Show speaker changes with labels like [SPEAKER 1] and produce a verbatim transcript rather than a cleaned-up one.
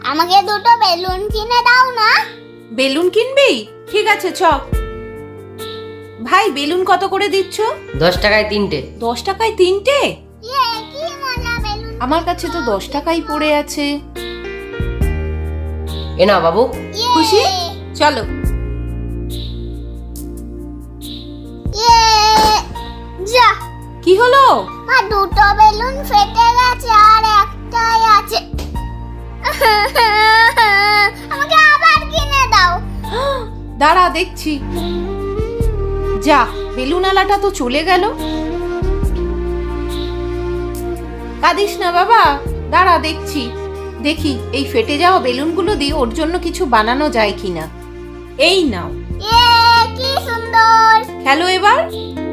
[SPEAKER 1] আমাকে দুটো বেলুন কিনে দাও না।
[SPEAKER 2] বেলুন কিনবি? ঠিক আছে চ। ভাই বেলুন কত করে দিচ্ছ?
[SPEAKER 3] দশ টাকায় তিনটে।
[SPEAKER 2] দশ টাকায় তিনটে?
[SPEAKER 1] ইয়ে, কি মজা বেলুন।
[SPEAKER 2] আমার কাছে তো দশ টাকাই পড়ে আছে।
[SPEAKER 3] এ না বাবু।
[SPEAKER 1] ইয়ে,
[SPEAKER 2] খুশি? চলো।
[SPEAKER 1] ইয়ে, যা।
[SPEAKER 2] কি হলো?
[SPEAKER 1] আর দুটো বেলুন ফেটে গেছে আর একটাই আছে। আমাকে আবার কিনে দাও।
[SPEAKER 2] দাঁড়া দেখছি। যা, বেলুন আলাটা তো চলে গেল। কাঁদিস না বাবা, দাঁড়া দেখছি। দেখি এই ফেটে যাওয়া বেলুনগুলো দিয়ে ওর জন্য কিছু বানানো যায় কিনা। এই নাও,
[SPEAKER 1] ইয়ে, কি সুন্দর।
[SPEAKER 2] খেলো এবার।